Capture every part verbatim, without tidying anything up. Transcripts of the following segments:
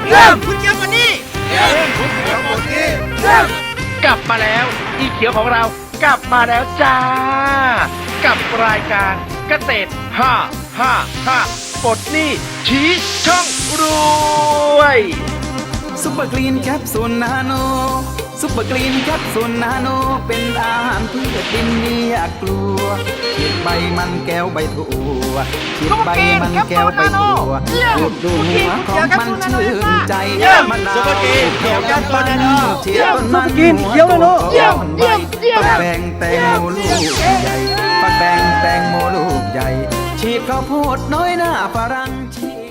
เยี่ยมคุณเขียวคนนี้เยี่ยมคุณเขียวคนนี้เยี่ยมกลับมาแล้วอีเขียวของเรากลับมาแล้วจ้ากับรายการเกษตรห้าห้าห้าปลดหนี้ชี้ช่องรวยซุปเปอร์กรีนแคปซูลนาโนซุปเปอร์กรีนแคปซูลนาโนเป็นอาหารพืชดินมีอยากกลัวฉีดใบมันแก้วใบถั่วฉีดใบมันแก้วใบถั่วดูดดูหัวของมันชื่นใจมะนาวซุปเปอร์กรีนเขียวกันนาโนฉีดต้นมันหัวโตอ่อนใบปักแบงแตงโมลูกใหญ่ปักแบงแตงโมลูกใหญ่ฉีดข้าวโพดน้อยหน้าฝรั่งฉีด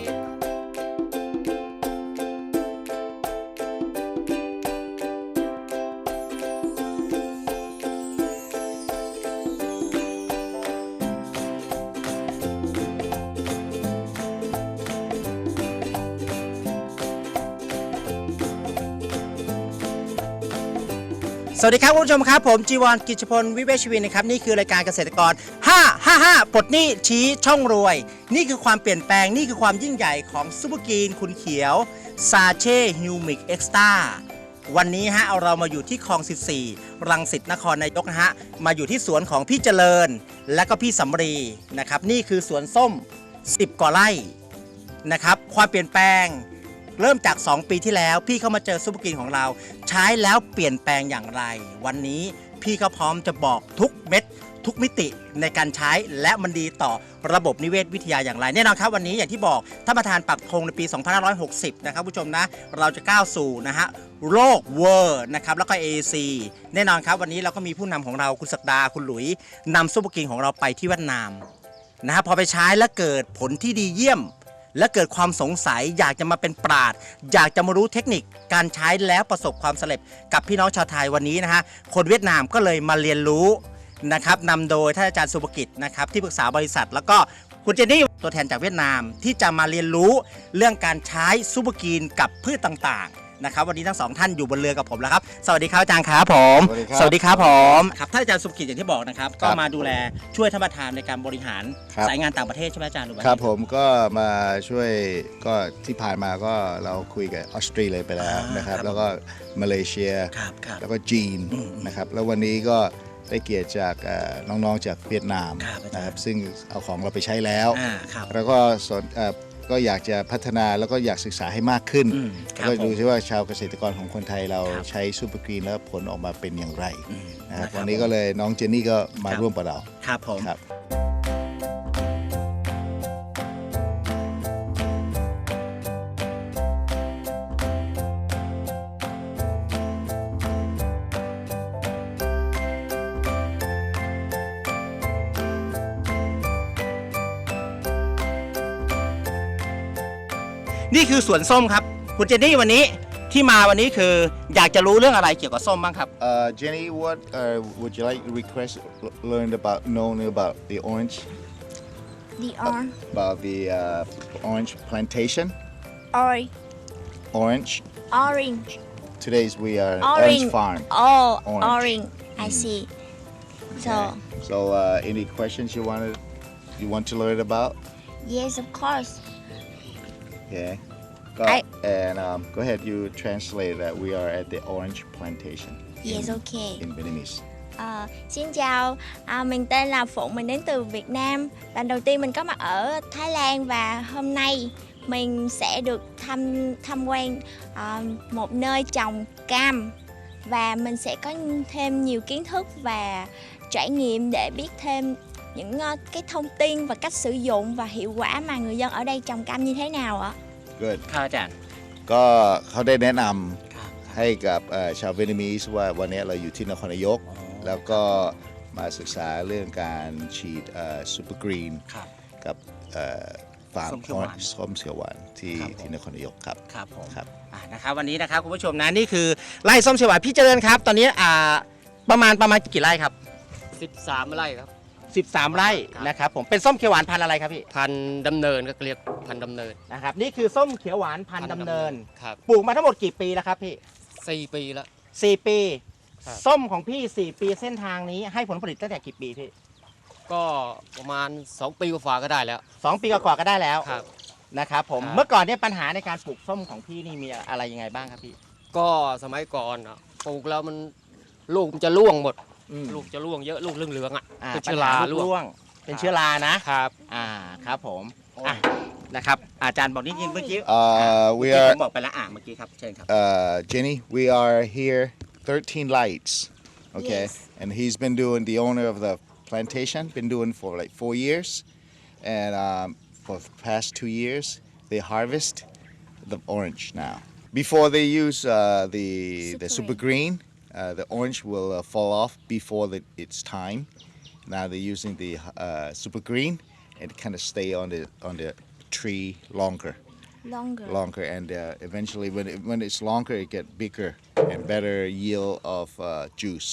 สวัสดีครับคุณผู้ชมครับผมจีวรกิจพลวิเวชวินนะครับนี่คือรายการเกษตรกรห้า ห้า ห้าปลดหนี้ชี้ช่องรวยนี่คือความเปลี่ยนแปลงนี่คือความยิ่งใหญ่ของซุปเปอร์กรีนคุณเขียวซาเช่ฮิวมิกเอ็กซ์ต้าวันนี้ฮะเอาเรามาอยู่ที่คลองสิบสี่รังสิตนครนายกนะฮะมาอยู่ที่สวนของพี่เจริญและก็พี่สำรีนะครับนี่คือสวนส้มสิบกว่าไร่นะครับความเปลี่ยนแปลงเริ่มจากสองปีที่แล้วพี่เข้ามาเจอซุปเปอร์กรีนของเราใช้แล้วเปลี่ยนแปลงอย่างไรวันนี้พี่เขาพร้อมจะบอกทุกเม็ดทุกมิติในการใช้และมันดีต่อระบบนิเวศวิทยาอย่างไรแน่นอนครับวันนี้อย่างที่บอกท่านประธานปักธงในปีสองพันห้าร้อยหกสิบนะครับผู้ชมนะเราจะก้าวสู่นะฮะโลกเวอร์นะครับแล้วก็ เอ ซี แน่นอนครับวันนี้เราก็มีผู้นำของเราคุณศักดาคุณหลุยนำซุปเปอร์กรีนของเราไปที่เวียดนามนะฮะพอไปใช้แล้วเกิดผลที่ดีเยี่ยมและเกิดความสงสัยอยากจะมาเป็นปราชญ์อยากจะมารู้เทคนิคการใช้แล้วประสบความสำเร็จกับพี่น้องชาวไทยวันนี้นะฮะคนเวียดนามก็เลยมาเรียนรู้นะครับนำโดยท่านอาจารย์สุภกิจนะครับที่ปรึกษาบริษัทแล้วก็คุณเจนนี่ตัวแทนจากเวียดนามที่จะมาเรียนรู้เรื่องการใช้ซุปเปอร์กรีนกับพืชต่างๆนะครับวันนี้ทั้งสองท่านอยู่บนเรือกับผมแล้วครับสวัสดีครับอาจารย์ครับผมสวัสดีครับผมครับท่านอาจารย์สุภกิจอย่างที่บอกนะครับก็มาดูแลช่วยท่านประธานในการบริหารสายงานต่างประเทศใช่ไหมอาจารย์ครับผมก็มาช่วยก็ที่ผ่านมาก็เราคุยกับออสเตรเลียไปแล้วนะครับแล้วก็มาเลเซียแล้วก็จีนนะครับแล้ววันนี้ก็ได้เกียรติจากน้องๆจากเวียดนามนะครับซึ่งเอาของเราไปใช้แล้วแล้วก็สนก็อยากจะพัฒนาแล้วก็อยากศึกษาให้มากขึ้นแล้วก็ดูซิว่าชาวเกษตรกรของคนไทยเราใช้ซูเปอร์กรีนแล้วผลออกมาเป็นอย่างไรนะครับวันนี้ก็เลยน้องเจนนี่ก็มาร่วมกับเราครับผมนี่คือสวนส้มครับคุณเจนนี่วันนี้ที่มาวันนี้คืออยากจะรู้เรื่องอะไรเกี่ยวกับส้มบ้างครับ uh, Jenny what uh, would you like request learn about knowing about the orange the orange about the uh, orange plantation orange orange orange today's we are orange, orange farm oh orange, orange. I see so okay. so uh, any questions you want to you want to learn about yes of course okay Go, I, and um, go ahead. You translate that we are at the orange plantation. Yes, in, okay. In Vietnamese. À, xin chào, à, mình tên là Phụng, mình đến từ Việt Nam. Lần đầu tiên mình có mặt ở Thái Lan và hôm nay mình sẽ được tham tham quan à, một nơi trồng cam và mình sẽ có thêm nhiều kiến thức và trải nghiệm để biết thêm những uh, cái thông tin và cách sử dụng và hiệu quả mà người dân ở đây trồng cam như thế nào ạ? Good ครับอาจารย์ก็เขาได้แนะนำให้กับชาวเวียดนามว่าวันนี้เราอยู่ที่นครนายกแล้วก็มาศึกษาเรื่องการฉีดซูเปอร์กรีนกับฟาร์มส้มเขียวหวานที่ที่นครนายกครับครับผมครับนะครับวันนี้นะครับคุณผู้ชมนะนี่คือไร่ส้มเขียวหวานพี่เจริญครับตอนนี้ประมาณประมาณกี่ไร่ครับสิบสามไร่ครับสิบสามไร่นะครับผมเป็นส้มเขียวหวานพันธุ์อะไรครับพี่พันดำเนินก็เรียกพันดำเนินนะครับนี่คือส้มเขียวหวานพันธุ์ดำเนินครับปลูกมาทั้งหมดกี่ปีแล้วครับพี่สี่ปีแล้วสี่ปีส้มของพี่สี่ปีเส้นทางนี้ให้ผลผลิตตั้งแต่กี่ปีพี่ก็ประมาณสองปีกว่าก็ได้แล้วสองปีกว่าก็ได้แล้วครับนะครับผมครับเมื่อก่อนเนี่ยปัญหาในการปลูกส้มของพี่นี่มีอะไรยังไงบ้างครับพี่ก็สมัยก่อนอ่ะปลูกแล้วมันลูกมันจะร่วงหมดอืมลูกจะร่วงเยอะลูกเหลืองๆอ่ะอ่าเป็นปัญเชื้อหาราลูร่กวงร่วงเป็นเชื้อรานะครับ อ่าครับผมอ่ะนะครับอาจารย์บอกนิดนึงเมื่อกี้ Uh, เมื่อ we กี้ผ are มบอกไปแล้วอ่ะเมื่อกี้ครับเชิญครับ uh, Jenny. We are here. thirteen lights. Okay, Yes. and he's been doing the owner of the plantation. Been doing for like four years, and um, for the past two years they harvest the orange now. Before they use uh, the the Super super green, uh, the orange will uh, fall off before the, its time. Now they're using the uh, super green and kind of stay on the on the tree longer. longer longer and uh, eventually when it, when it's longer it get bigger and better yield of uh, juice.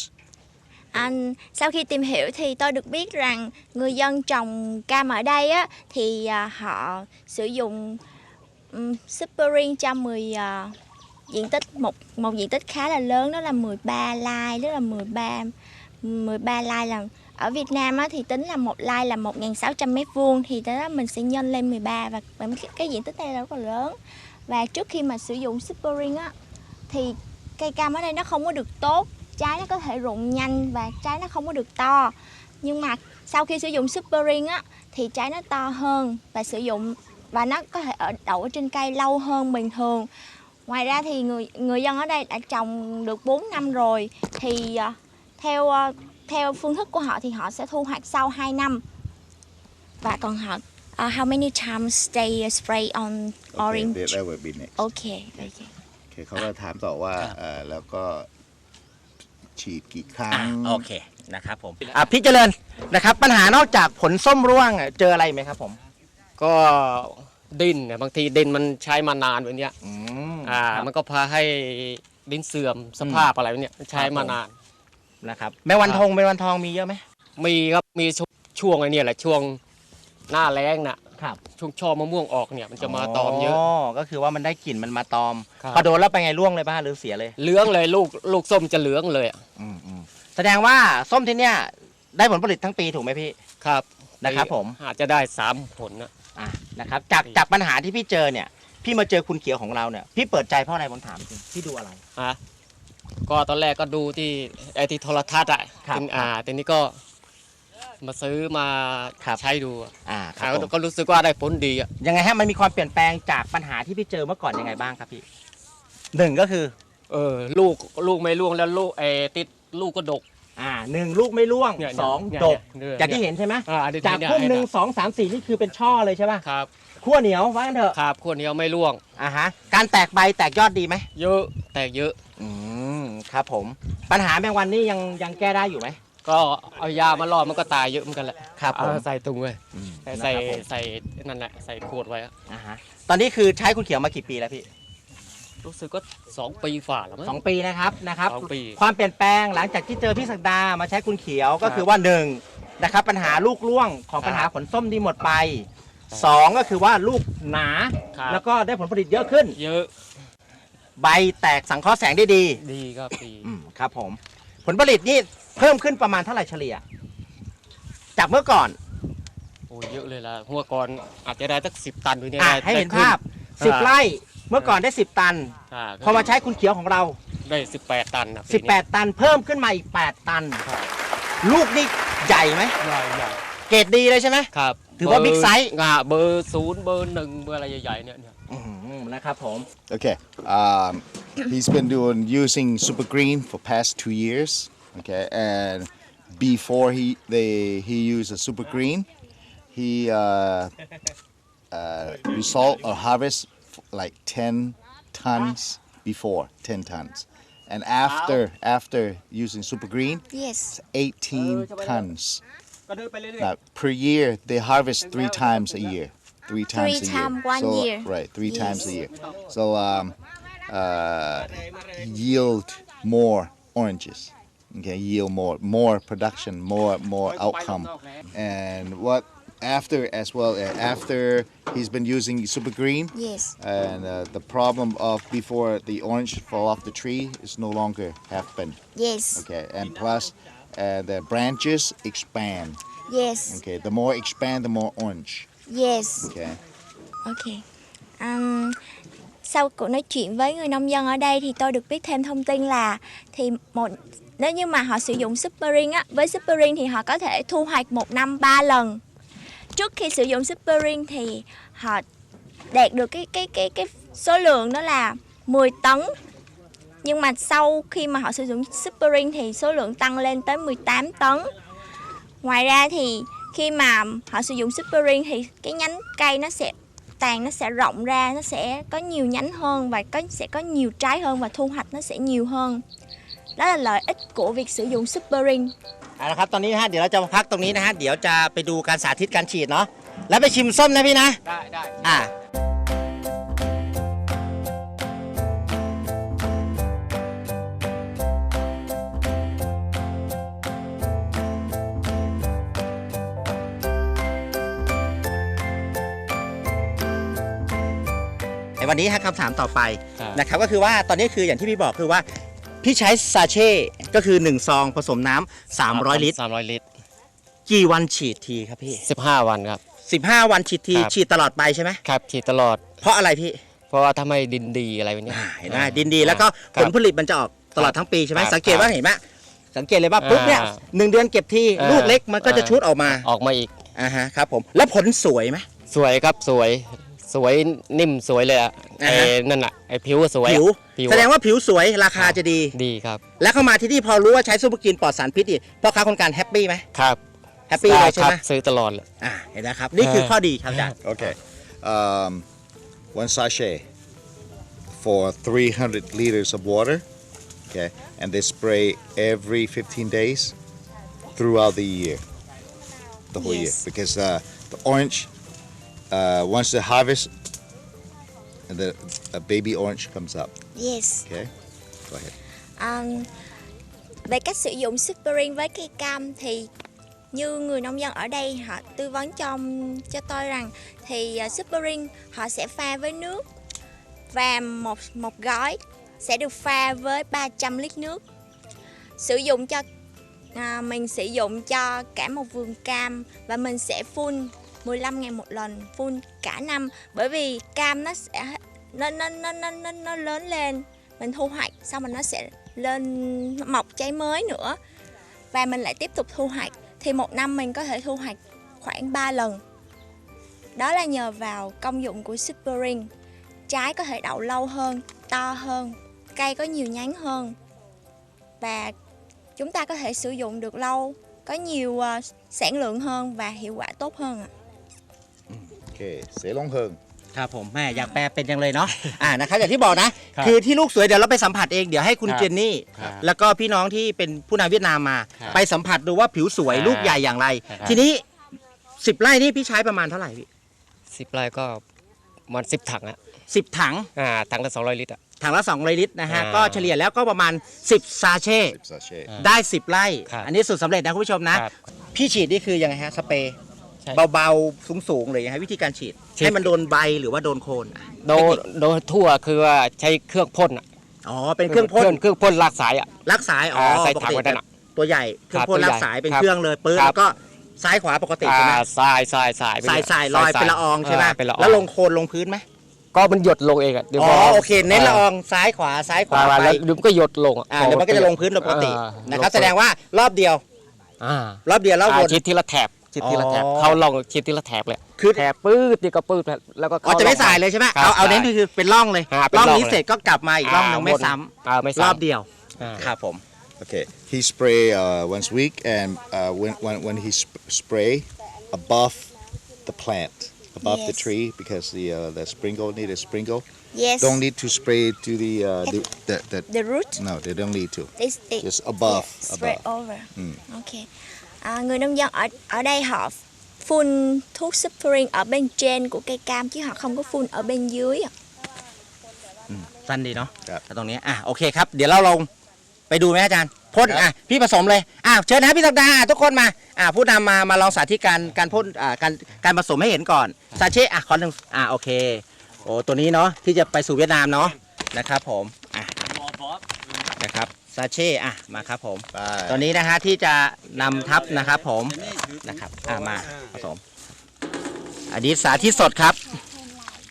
Anh sau khi tìm hiểu thì tôi được biết rằng người dân trồng cam ở đây á thì à, họ sử dụng um, Super Green cho mười à, diện tích một một diện tích khá là lớn, đó là mười ba lai, đó là mười ba mười ba lai là ở Việt Nam á, thì tính là một lai là một nghìn sáu trăm mét vuông, thì đó mình sẽ nhân lên mười ba và, và cái, cái diện tích này rất là lớn. Và trước khi mà sử dụng Super Green á thì cây cam ở đây nó không có được tốt, trái nó có thể rụng nhanh và trái nó không có được to. Nhưng mà sau khi sử dụng Super Green á thì trái nó to hơn và sử dụng và nó có thể ở đậu ở trên cây lâu hơn bình thường. Ngoài ra thì người người dân ở đây đã trồng được bốn năm rồi, thì uh, theo uh, theo phương thức của họ thì họ sẽ thu hoạch sau hai năm. Và còn họ uh, how many times they spray on orange? Okay, that would be next. Okay, okay. โอเคเขาก็ถามต่อว่าเอ่อแล้วก็ฉีดกี่ครั้งโอเคนะครับผมอ่ะพี่เจริญนะครับปัญหานอกจากผลส้มร่วงอ่ะเจออะไรไหมครับผมก็ดินเนี่ยบางทีดินมันใช้มานานแบบเนี้ยอืมอ่าครับมันก็พาให้ดินเสื่อมสภาพอะไรแบบเนี้ยใช้ครับผมมานานนะครับแม่วันทองแม่วันทองมีเยอะไหมมีครับมีช่วงช่วงไอ้เนี่ยแหละช่วงหน้าแล้งน่ะครับช่วงช่อมะม่วงออกเนี่ยมันจะมาตอมเยอะก็คือว่ามันได้กลิ่นมันมาตอมครับพอโดนแล้วไปไงร่วงเลยป่ะหรือเสียเลยเหลืองเลยลูกลูกส้มจะเหลืองเลยอะอืมอืมแสดงว่าส้มที่เนี้ยได้ผลผลิตทั้งปีถูกไหมพี่ครับนะครับผมอาจจะได้สามผลนะอ่ะนะครับจากจากปัญหาที่พี่เจอเนี่ยพี่มาเจอคุณเขียวของเราเนี่ยพี่เปิดใจเพราะอะไรผมถามจริงพี่ดูอะไรฮะก็ตอนแรกก็ดูที่ไอที่โทรทัศน์อ่ะครับทีนี้อ่าทีนี้ก็มาซื้อมาครับใช้ดูอะอ่าคอ่ารับผมก็รู้สึกว่าได้ผลดีอ่ะยังไงฮะมันมีความเปลี่ยนแปลงจากปัญหาที่พี่เจอเมื่อก่อนยังไงบ้างครับพี่หนึ่งก็คือเออลูกลูกไม่ร่วงแล้วลูกไอติดลูกก็ดกอ่าหนึ่งลูกไม่ร่วงเนี่ยสองเนี่ยดกเนี่ยจากที่เห็นใช่ไหมอ่าอันนี้จากเนี่ยพุ่มหนึ่งเยสองสามสี่นี่คือเป็นช่อเลยใช่ป่ะครับขั้วเหนียวว่ากันเถอะครับขวดเดียวไม่ร่วงอ่าฮะการแตกใบแตกยอดดีไหมเยอะแตกเยอะอืมครับผมปัญหาแมงวันนี่ยังยังแก้ได้อยู่ไหมก็เอายามาล่อมันก็ตายเยอะเหมือนกันแหละครับผมเอาใส่ถุงเลยอืมใส่นะครับผมใส่นั่นแหละใส่ขวดไว้อะอ่าฮะตอนนี้คือใช้คุณเขียวมากี่ปีแล้วพี่รู้สึกก็สองปีฝ่าแล้วมั้งสองปีนะครับนะครับสองปีความเปลี่ยนแปลงหลังจากที่เจอพี่ศักดามาใช้คุณเขียวก็คือว่าหนึ่งนะครับปัญหาลูกร่วงของปัญหาผลส้มที่หมดไปสองก็คือว่าลูกหนาครับแล้วก็ได้ผลผลิตเยอะขึ้นเยอะใบแตกสังเคราะห์แสงได้ดีดีครับดีอืมครับผมผลผลิตนี่เพิ่มขึ้นประมาณเท่าไหร่เฉลี่ย จากเมื่อก่อนโอ้ยเยอะเลยล่ะหัวก่อนอาจจะได้สักสิบตันหรือเนี่ยอ่ะได้ให้เห็นได้ขึ้ภาพสิบไร่เมื่อก่อนได้สิบตันอ่าพอมาใช้คุณเขียวของเราได้สิบแปดตันนะสิบแปดตันเพิ่มขึ้นมาอีกแปดตันครับลูกนี่ใหญ่ไหมใหญ่ใหญ่เกรดดีเลยใช่ไหมครับถือว่าเบบิ๊กไซส์อ่าเบอร์ศูนย์เบอร์หนึ่งเบอร์อะไรใหญ่ๆเนี่ยเนี่ยอื้อหือนะครับผม Okay. Um, he's been doing using Super Green for past two years. Okay, and before he they he used a Super Green, he uh, uh, result or harvest like ten tons before ten tons, and after after using Super Green, Yes. eighteen tons. Now per year they harvest three times a year. Three times Three a year. time one so, year. Right, three Yes. times a year. So um, uh, yield more oranges. Okay, yield more, more production, more, more outcome. And what after as well? uh, After he's been using Super Green, Yes. and uh, the problem of before the orange fall off the tree is no longer happen. Yes. Okay, and plus uh, the branches expand. Yes. Okay, the more expand, the more orange. Yes. Okay, Ok. Um, sau cuộc nói chuyện với người nông dân ở đây thì tôi được biết thêm thông tin là thì một nếu như mà họ sử dụng Super Ring á, với Super Ring thì họ có thể thu hoạch một năm ba lần. Trước khi sử dụng Super Ring thì họ đạt được cái cái cái cái số lượng đó là mười tấn. Nhưng mà sau khi mà họ sử dụng Super Ring thì số lượng tăng lên tới mười tám tấn. Ngoài ra thì khi mà họ sử dụng Super Ring thì cái nhánh cây nó sẽ tàn nó sẽ rộng ra, nó sẽ có nhiều nhánh hơn và có sẽ có nhiều trái hơn và thu hoạch nó sẽ nhiều hơn. Đó là lợi ích của việc sử dụng Super Ring. เอาละครับตอนนี้นะฮะเดี๋ยวเราจะมาพักตรงนี้นะฮะเดี๋ยวจะไปดูการสาธิตการฉีดเนาะแล้วไปชิมส้มนะพี่นะได้ได้อ่าในวันนี้ฮะคำถามต่อไปนะครับก็คือว่าตอนนี้คืออย่างที่พี่บอกคือว่าพี่ใช้ซาเช่ก็คือหนึ่งซองผสมน้ำสามร้อยลิตรสามร้อยลิตรกี่วันฉีดทีครับพี่สิบห้าวันครับสิบห้าวันฉีดทีครับฉีดตลอดไปใช่ไหมครับฉีดตลอดเพราะอะไรพี่เพราะว่าถ้าไม่ดินดีอะไรแบบนี้อ่าเห็นไหมดินดีแล้วก็ครัผบลผลิตมันจะออกตลอดทั้งปีใช่ไหมครับสังเกตว่าเห็นไหมสังเกตเลยว่าปุ๊บเนี่ยอ่าหนึ่งเดือนเก็บทีอ่าลูกเล็กมันก็จะอ่าชุดออกมาออกมาอีกอ่าฮะครับผมแล้วผลสวยไหมสวยครับสวยสวยนิ่มสวยเลยอะอ่าไอ้ฮะนั่นอะไอ้ผิวสวยอะผิวผิวแสดงว่าผิวสวยราคาจะดีดีครับแล้วเข้ามาที่นี่พอรู้ว่าใช้ซูเปอร์กินปลอดสารพิษอีกพ่อค้าคนกลางแฮปปี้ไหมครับแฮปปี้เลยใช่ครับไหมซื้อตลอดเลยอ่าเห็นนะครับนี่คือเออข้อดีครับอาจารย์ Okay. Um, one sachet for three hundred liters of water. Okay. And they spray every fifteen days throughout the year. The whole Yes. year. Because uh, the orange, uh, once the harvest, the a baby orange comes up. Yes. Okay. Go ahead. Um, về cách sử dụng Super Ring với cây cam thì như người nông dân ở đây họ tư vấn cho cho tôi rằng thì uh, Super Ring họ sẽ pha với nước và một một gói sẽ được pha với ba trăm lít nước. Sử dụng cho à, mình sử dụng cho cả một vườn cam và mình sẽ phun mười lăm ngày một lần, phun cả năm bởi vì cam nó sẽ nó nó nó nó nó, nó lớn lên, mình thu hoạch xong rồi nó sẽ lên mọc trái mới nữa và mình lại tiếp tục thu hoạch thì một năm mình có thể thu hoạch khoảng ba lần. Đó là nhờ vào công dụng của Super Ring. Trái có thể đậu lâu hơn, to hơn, cây có nhiều nhánh hơn và chúng ta có thể sử dụng được lâu, có nhiều uh, sản lượng hơn và hiệu quả tốt hơn ạ. Okay. Say long hơn. ครับผมแม่อยากแปลเป็นยังเลยเนาะ อ่านะครับอย่างที่บอกนะ คือที่ลูกสวยเดี๋ยวเราไปสัมผัสเองเดี๋ยวให้คุณครับเจนนี่ครับแล้วก็พี่น้องที่เป็นผู้นำเวียดนามมาครับไปสัมผัสดูว่าผิวสวยครับลูกใหญ่อย่างไรครับทีนี้สิบไร่นี่พี่ใช้ประมาณเท่าไหร่พี่สิบไร่ก็มันสิบถังอะสิบถังอ่าถังละสองร้อยลิตรอะถังละสองร้อยลิตรนะฮะอ่าก็เฉลี่ยแล้วก็ประมาณสิบซาเช่ Sachet. ได้สิบไร่ครับอันนี้สุดสำเร็จนะคุณผู้ชมนะครับพี่ฉีดนี่คือยังไงฮะสเปรย์ใช่เบาๆสูงๆเลยยังไงวิธีการฉีดฉีดให้มันโดนใบหรือว่าโดนโคนอ่ะโดนโดนทั่วคือว่าใช้เครื่องพ่นอะอ๋อเป็นเครื่องพ่นเครื่องพ่นลากสายอะลักสายอ๋ออ่าใส่ปกถังติไว้ด้านหลังตัวใหญ่เครื่องพ่นครับตัวลัใหญ่กสายเป็นครับเครื่องเลยปื้ดครับแล้วก็ซ้ายขวาปกติอ่าใช่ไหมทรายทรายทรายไปสายเรื่สายลอยเป็นละอองใช่ไหมาเป็นละอองแล้วลงโคนลงพื้นไหมก็มันหยดลงเองอะดี๋ยวอ๋อพโอเคเน้นละอองซ้ายขวาซ้ายขวาอ่าไปแล้วเดี๋ยวมันก็หยดลงอ่าเดี๋ยวมันก็จะลงพื้นโดยปกติอ่านะครับลแสดงว่ารอบเดียวอ่ารอบเดียวแล้ววอ่าน ชิดทีละแถบชิดทีละแถบอ๋อเขาลองชิดทีละแถบเลยคือแถบปื้ดนี่ก็ปื้ดแล้วก็อ๋อเข้าจะไม่ร่องสายเลยใช่ไหมครับเอาเอาเน้นใช่คือเป็นร่องเลยอ่าเป็นร่องร่องนี้เลยเสร็จก็กลับมาอีกร่องหนึงไม่ซ้อ่าไม่ำรซ้ำอบเดียวอ่าครับผม Okay, he spray uh, once a week, and uh, when, when when he sp- spray above the plant, above the Yes. tree, because the uh, the sprinkle need a sprinkle. Yes. Don't need to spray to the uh, the, the, the The root. no, they don't need to. They, they, Just above, yeah, spread above. over. Ừ. Ok. À, người nông dân ở ở đây họ phun thuốc Super Ring ở bên trên của cây cam chứ họ không có phun ở bên dưới ạ. สั้นดีเนาะครับแต่ตรงนี้อ่ะโอเคครับ เดี๋ยวเราลงไปดูไหมอาจารย์พ่นอ่ะพี่ผสมเลยอ่ะเชิญนะพี่สัปดาห์อ่ะทุกคนมาอ่ะผู้นำมามาลองสาธิตการการพ่นอ่าการการผสมให้เห็นก่อนซาเช่อ่ะขอหนึ่งอ่ะโอเคโอ้ตัวนี้เนาะที่จะไปสู่เวียดนามเนาะนะครับผมอ่ะนะครับซาเช่อ่ะมาครับผม Bye. ตัวนี้นะฮะที่จะนำทับนะครับผมนะครับอ่ะมาผสมอันนี้สาธิตสดครับ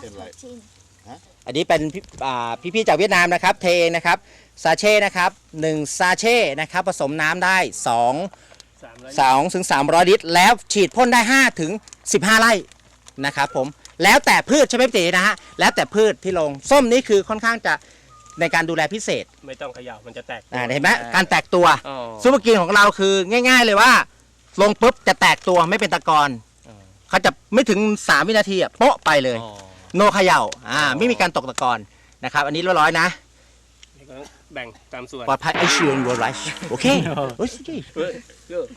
อันนี้เป็นพี่อ่าพี่ๆจากเวียดนามนะครับเทเองนะครับซาเช่นะครับหนึ่งซาเช่นะครับผสมน้ำได้สอง สองถึงสามร้อยลิตรแล้วฉีดพ่นได้ห้าถึงสิบห้าไร่นะครับผมแล้วแต่พืชใช่ไหมพี่ตีนะฮะแล้วแต่พืชที่ลงส้มนี่คือค่อนข้างจะในการดูแลพิเศษไม่ต้องเขย่ามันจะแตกอ่าเห็นไหมการแตกตัวอ๋อซูเปอร์กรีนของเราคือง่าย ๆ เลยว่า ลงปุ๊บจะแตกตัวไม่เป็นตะกอนเขาจะไม่ถึงสามวินาทีอะโป๊ะไปเลยอ๋อโนเขย่าอ่าไม่มีการตกตะกอนนะครับอันนี้เรียบร้อยนะนี่ก็แบ่งตามส่วนปลอดภัยไอชิวน์วอร์ไรชโอเคโอ้ยเฮ้ยเยอะ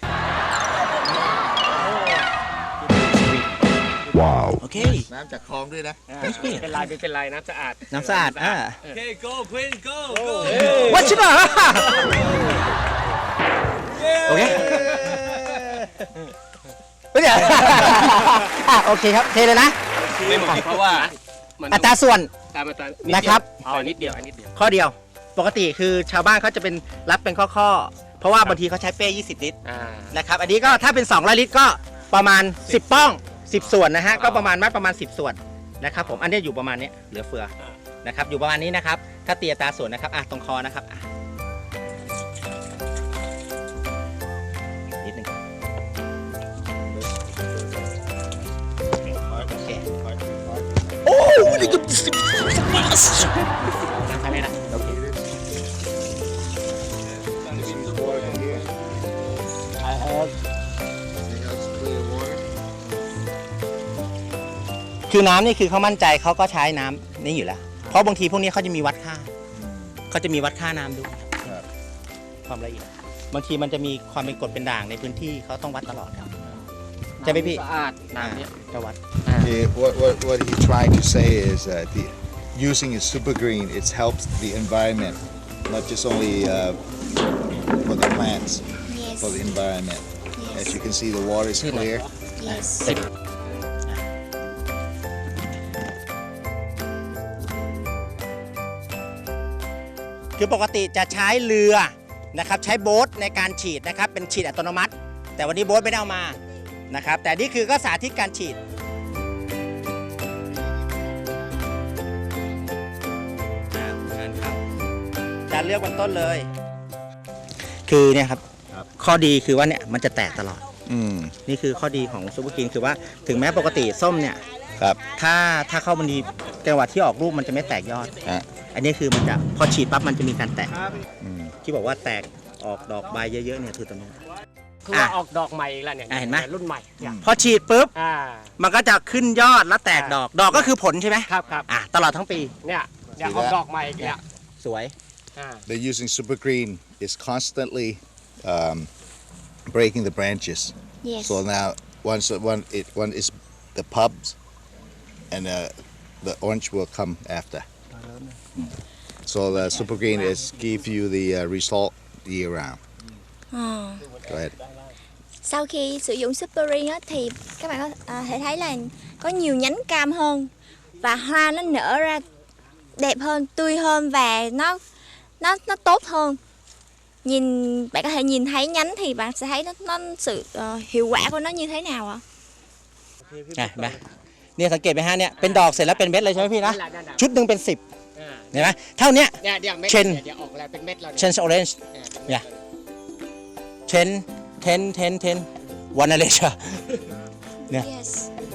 โอเคน้ำจากคลองด้วยนะไม่เป็นไรไม่เป็นไรน้ำสะอาดน้ำสะอาดอ่า Okay go Queen go go วัชิบะโอเคไม่เดี๋ยวอ่ะโอเคครับเทเลยนะไม่หมดเพราะว่ามันอัตราส่วนตามมาตามนะครับเอานิดเดียวอันนิดเดียวข้อเดียว ปกติคือชาวบ้านเขาจะเป็นรับเป็นข้อๆเพราะว่าบางทีเขาใช้เป้ยี่สิบลิตรอ่านะครับอันนี้ก็ถ้าเป็นสองร้อยลิตรก็ประมาณสิบป้องสิบส่วนนะฮะก็ประมาณมัดประมาณสิบส่วนนะครับผมอันนี้อยู่ประมาณนี้เหลือเฟือนะครับอยู่ประมาณนี้นะครับถ้าเตียตราส่วนนะครับอ่ะตรงคอนะครับอ่ะนิดนึงโอเคโอ้นี่ก็สิบทำให้นะโอเค I have คือน้ำนี่คือเขามั่นใจเขาก็ใช้น้ำนี่อยู่แล้ว เพราะบางทีพวกนี้เขาจะมีวัดค่าเขาจะมีวัดค่าน้ำด้วยความละเอียดบางทีมันจะมีความเป็นกรดเป็นด่างในพื้นที่เขาต้องวัดตลอดครับใช่ไหมพี่สะอาดน้ำเนี้ยจะวัด Yeah, what, what, what he's trying to say is uh, the, using a super green, it helps the environment, not just only uh, for the plants, Yes. for the environment. As Yes. you can see, the water is clear. Yes. คือปกติจะใช้เรือนะครับใช้โบ๊ทในการฉีดนะครับเป็นฉีดอัตโนมัติ แต่วันนี้โบ๊ทไม่ได้เอามานะครับแต่นี่คือก็สาธิตการฉีดอ่าเชิญครับจะเลือกวันต้นเลย คือเนี่ยครับครับข้อดีคือว่าเนี่ยมันจะแตกตลอด Mm. นี่คือข้อดีของซูเปอร์กรีนคือว่าถึงแม้ปกติส้มเนี่ยครับถ้าถ้าเข้ามันดีจังหวะที่ออกลูกมันจะไม่แตกยอดฮะอันนี้คือมันจะพอฉีดปั๊บมันจะมีการแตกอืมที่บอกว่าแตกออกดอกใบเยอะๆเนี่ยคือตรงนี้คือว่าออกดอกใหม่อีกแล้วเนี่ยอ่ะเห็นไหมรุ่นใหม่เนี่ยพอฉีดปุ๊บอ่ามันก็จะขึ้นยอดแล้วแตกดอก ดอกก็คือผลใช่ไหมครับครับอ่ะตลอดทั้งปีเนี่ยเนี่ยออกดอกใหม่อีกแล้วสวยอ่า They're using super green. It's constantly um, breaking the branches. Yes. So now, once one it one is the pubs, and uh, the orange will come after. So the super green is give you the uh, result year round. Ờ. Go ahead. Sau khi sử dụng Super Green á, thì các bạn có à, thể thấy là có nhiều nhánh cam hơn và hoa nó nở ra đẹp hơn, tươi hơn và nó nó nó tốt hơn. Nhìn bạn có thể nhìn thấy nhánh thì bạn sẽ thấy nó nó sự ờ, hiệu quả của nó như thế nào ạ? อ่ะเห็นไหมเนี่ยสังเกตไหมฮะเนี่ยเป็นดอกเสร็จแล้วเป็นเม็ดเลยใช่ไหมพี่นะ ชุดหนึ่งเป็นสิบอ่าเห็นไหมเท่าเนี้ยเนี่ยเดี๋ยวเม็ดเช่นเดี๋ยวออกแล้วเป็นเม็ดแล้วเชนส์ออเรนจ์ เนี่ย เชนเทนเทนเทนวันอะไรเชอ Yeah. Yes.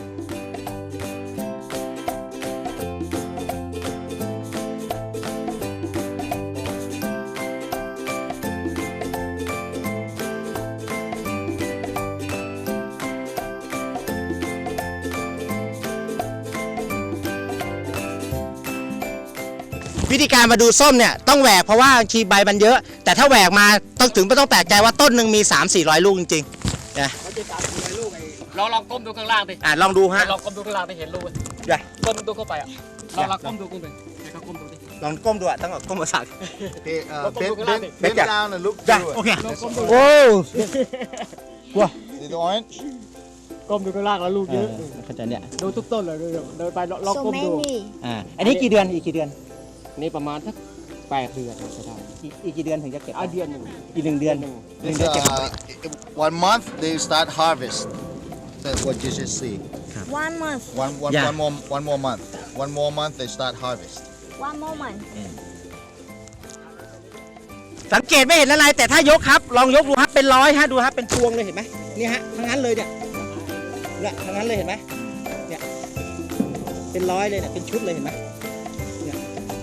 วิธีการมาดูส้มเนี่ยต้องแหวกเพราะว่าบางทีใบมันเยอะ แต่ถ้าแหวกมาต้องถึงไม่ต้องแปลกใจว่าต้นหนึ่งมี สามสี่ร้อย ลูกจริงๆนะลองลองก้มดูข้างล่างดิอ่ะลองดูฮะลองก้มดูข้างล่างไปเห็นรูไหมอย่าก้มดูเข้าไปอ่ะลองลองก้มดูก้มดูให้เขาก้มดูดิลองก้มดูอ่ะต้องเอาก้มมาสัก Hey, uh, Look, bend, look, look, bend, look. bend Yeah. down and look จ้ะ through โอ it. เคลองก้มดูโอ้ว้า See the orange? ก้มดูข้างล่างแล้วลูกเยอะเข้าใจเนี่ยดูทุกต้นเลยดูเดินไปลอง So ก้มดู many. อ่าอันนี้กี่เดือนอีกกี่เดือนนี่ประมาณสักแปดเดือนจะได้อีกอีกกี่เดือนถึงจะเก็บอ่ะเดือนหนึ่งอีกหนึ่งเดือนหนึ่งหนึ่ง It's, เดือนเก็บ uh, one month they start harvest. That's what you should see. One month. One, one, Yeah. one more, one more month. one more month they start harvest one moment สังเกตไม่เห็นอะไรแต่ถ้ายกครับ ลองยกดูครับเป็นร้อยฮะดูครับเป็นพวงเลยเห็นไหมนี่ฮะทั้งนั้นเลยเนี่ยเนี่ยทั้งนั้นเลยเห็นไหมเนี่ยเป็นร้อยเลยเนี่ยเป็นชุดเลยเห็นไหมเนี่ย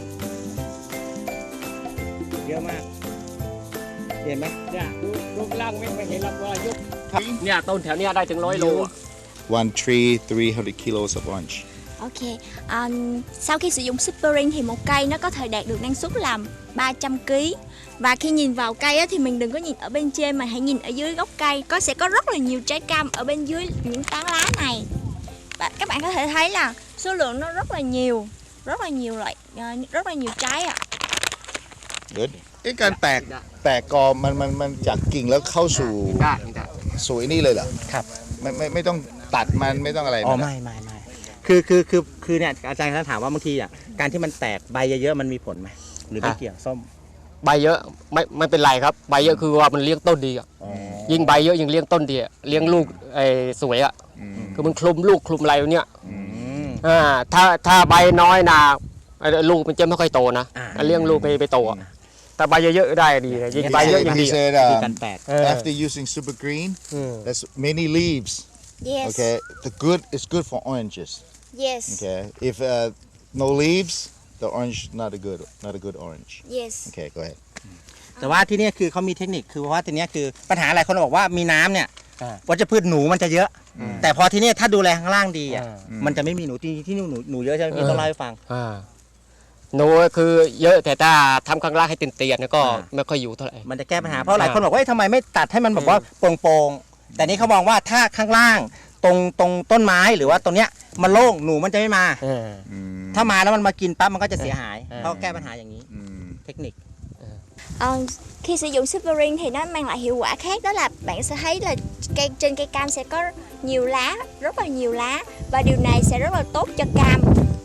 เยอะมากเห็นไหมเนี่ยดูรูปร่างไม่ไม่เห็นหรอกว่ายกเนี่ยต้นแถวเนี้ยได้ถึงร้อยโลอะ one tree three hundred kilos of orange Ok, à, sau khi sử dụng Super Ring thì một cây nó có thể đạt được năng suất là ba trăm ki lô gam. Và khi nhìn vào cây á, thì mình đừng có nhìn ở bên trên mà hãy nhìn ở dưới gốc cây. Có sẽ có rất là nhiều trái cam ở bên dưới những tán lá này. Và các bạn có thể thấy là số lượng nó rất là nhiều, rất là nhiều loại, rất là nhiều trái ạ. good ไอ้การแตกแตกกอมันมันมันจากกิ่งแล้วเข้าสู่ได้ได้สู่ไอ้นี่เลยเหรอครับไม่ไม่ไม่ต้องตัดมันไม่ต้องอะไรอ๋อมันไม่ไม่ไม่คือคือคือคือเนี่ยอาจารย์เขาถามว่าบางทีอ่ะการที่มันแตกใบเยอะๆมันมีผลไหมหรือไม่เกี่ยวส้มใบเยอะไม่ไม่เป็นไรครับใบเยอะคือว่ามันเลี้ยงต้นดีอะอ๋อยิ่งใบเยอะยิ่งเลี้ยงต้นดีอะเลี้ยงลูกไอ้สวยอะอืมคือมันคลุมลูกคลุมอะไรเนี่ยอืมอ่าถ้าถ้าใบน้อยนะไอ้ลูกมันจะไม่ค่อยโตนะอ่าเลี้ยงลูกไปไปโตอะแต่ใบเยอะๆได้ดีนะยิ่งใบเยอะยิ่ง he ดีอะ said คือ um, การแตกเออ after using super green อืม there's many leaves Yes, okay the good is good for oranges yes, okay if uh, no leaves the orange not a good not a good orange yes. okay go ahead แต่ว่าที่เนี่ยคือเขามีเทคนิคคือว่าทีเนี้ยคือปัญหาหลายคนบอกว่ามีน้ำเนี่ยอ่าวัชพืชหนูมันจะเยอะ แต่พอที่เนี่ยถ้าดูแลข้างล่างดีอ่ะอ่ามันจะไม่มีหนูที่ที่นี่หนูหนูเยอะใช่ไหมพี่ต้องเล่าให้ฟังอ่าหนูคือเยอะแต่ถ้าทำข้างล่างให้เตียนๆเนี่ยก็อ่าไม่ค่อยอยู่เท่าไหร่มันจะแก้ปัญหาเพราะหลายคนบอกว่าเอ้ยทำไมไม่ตัดให้มันแบบว่าโปร่งๆแต่นี่เขามองว่าถ้าข้างล่างตรงตรงต้นไม้หรือว่าตรงเนี้ยมันโล่งหนูมันจะไม่มาเออถ้ามาแล้วมันมากินปั๊บมันก็จะเสียหายเออเขาแก้ปัญหาอย่างนี้อืมเทคนิค Ờ, khi sử dụng Super Ring thì nó mang lại hiệu quả khác, đó là bạn sẽ thấy là cây trên cây cam sẽ có nhiều lá, rất là nhiều lá, và điều này sẽ rất là tốt cho cam.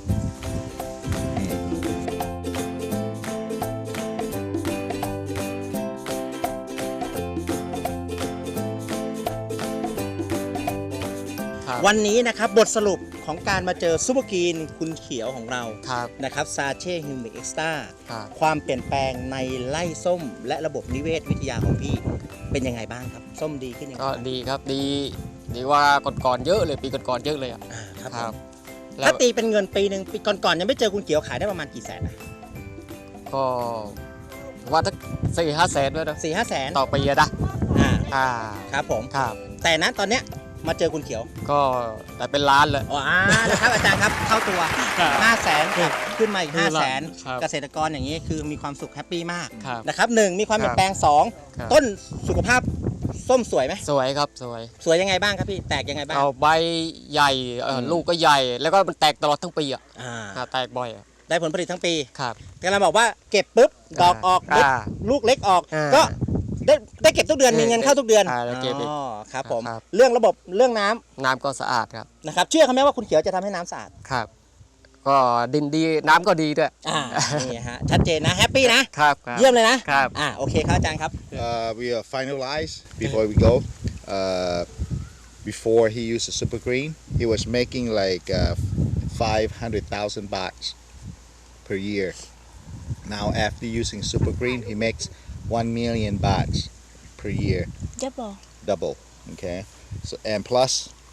ครับวันนี้นะครับบทสรุปของการมาเจอซูเปอร์กรีนคุณเขียวของเราครับนะครับซาเช่ฮิวมิกเอ็กซ์ต้าครับความเปลี่ยนแปลงในไร่ส้ม และระบบนิเวศวิทยาของพี่เป็นยังไงบ้างครับ ส้มดีขึ้นยังไงก็บ้างดีครับดีดีว่าก่อนๆเยอะเลยปีก่อนๆเยอะเลยอ่ะอ่าครับครับผมแล้วถ้าตีเป็นเงินปีหนึ่งปีก่อนๆยังไม่เจอคุณเขียวขายได้ประมาณกี่แสนนะก็ว่าถ้าสี่ห้าแสนด้วยนะสี่ห้าแสนต่อปีอะนะอ่าอ่าครับผมครับแต่นั้นตอนเนี้ยมาเจอคุณเขียวก็แต่เป็นล้านเลยอ๋ออ่านะครับอาจารย์ครับเท่าตัวครับห้าแสนกับขึ้นมาอีกขึ้ห้านมาแสนครับเกษตรกรอย่างนี้คือมีความสุขแฮปปี้มากครับนะครับหนึ่งมีความเปลี่ยนแปลงสองครับต้นสุขภาพส้มสวยไหมสวยครับสวยสวยยังไงบ้างครับพี่แตกยังไงบ้างเอาใบใหญ่เอ่ออมลูกก็ใหญ่ แล้วก็มันแตกตลอดทั้งปีอ่ะอ่าอ่าแตกบ่อยอ่ะได้ผลผลิตทั้งปีครับกำลังบอกว่าเก็บปุ๊บดอกออกปุ๊บอ่าลูกเล็กออกอ่าก็ได้ได้เก็บทุกเดือนมีเงินเข้าทุกเดือนอ่าได้เก็บอีกอ๋อครับผมครับเรื่องระบบเรื่องน้ำน้ำก็สะอาดครับนะครับเชื่อเขาไหมว่าคุณเขียวจะทำให้น้ำสะอาดครับ ก็ดินดีน้ำก็ดีด้วยอ่านี่ฮะชัดเจนนะแฮปปี้นะครับครับเยี่ยมเลยนะครับ อ่าโอเคครับอาจารย์ครับ Uh, we are finalize before we go. Uh, before he used the super green, he was making like uh, five hundred thousand bahts per year. Now after using super green, he makes one million bahts per year, Double. double. Okay, so and plus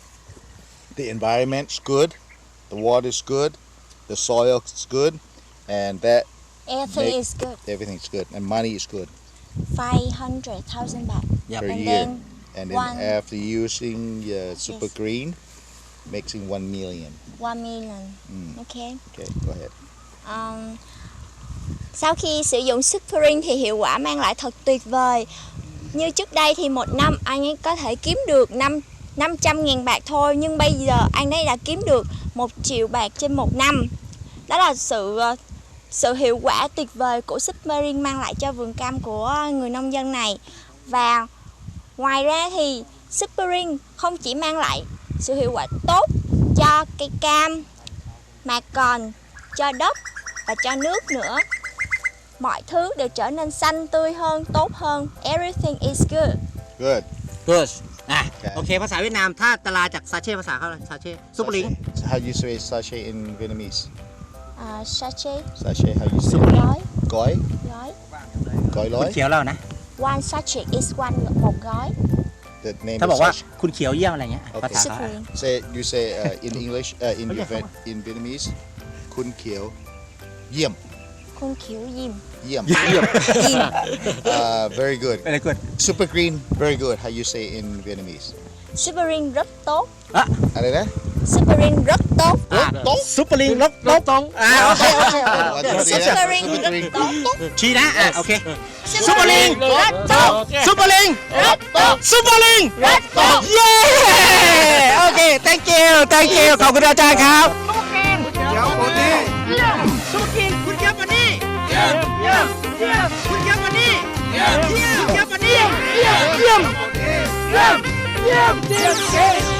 the environment's good, the water's good, the soil's good, and that Everything Make- is good. everything's good, and money is good five hundred thousand baht. Yep. per And year. then And then one- after using uh, super Yes. green, making one million. one million. Mm. Okay. Okay, go ahead. Um, sau khi sử dụng Super Ring thì hiệu quả mang lại thật tuyệt vời. Như trước đây thì một năm anh ấy có thể kiếm được năm năm trăm ngàn bạc thôi, nhưng bây giờ anh ấy đã kiếm được một triệu bạc trên một năm. Đó là sự ờ, sự hiệu quả tuyệt vời của Super Ring mang lại cho vườn cam của người nông dân này. Và ngoài ra thì Super Ring không chỉ mang lại sự hiệu quả tốt cho cây cam mà còn cho đất và cho nước nữa. Mọi thứ đều trở nên xanh tươi hơn, tốt hơn. Everything is good. Good. good อ่ะ Okay. โอเค ภาษาเวียดนามถ้าตลาจากซาเช่ภาษาเขาซาเช่ซุปเปอร์ลิง Sachet. How you say sachet in Vietnamese? อ่า sachet Sachet. How you say? Super it? ร้อย Gói. ร้อย Gói คุณ lói. เขียวเล่านะ one sachet is one หกร้อย The name ถ้า is บอกว่า sachet. คุณเขียวเยี่ยมอะไรเงี้ยโอเคภาษาเขา super Say you say uh, in English uh, in Okay. Viet in Vietnamese. Kun Kieu. Yiem. คุณเขียวยิม Yiem. เยี่ยมยิม Uh, very good. อะไรกู Super green. Very good. How you say in Vietnamese? super ring rất tốt อะไรนะ super ring rất tốt โต๊ะซุปเปอร์ลิงลบลบตรงอ่าโอเคโอเค super ring rất tốt ชี้นะอ่ะโอเค super ring rất tốt ซุปเปอร์ลิง rất tốt ซุปเปอร์ลิง rất tốt เย้ โอเค thank you thank you ขอบคุณอาจารย์ครับเดี๋ยวคนนี้ซุปเปอร์กินคุณเยี่ยมวันนี้เยี่ยมเยี่ยมเยี่ยมคุณเยี่ยมวันนี้เยี่ยมเยี่ยมเยี่ยมวันนี้เยี่ยมเยี่ยมเยี่ยมเยี่ยมเยี่ยม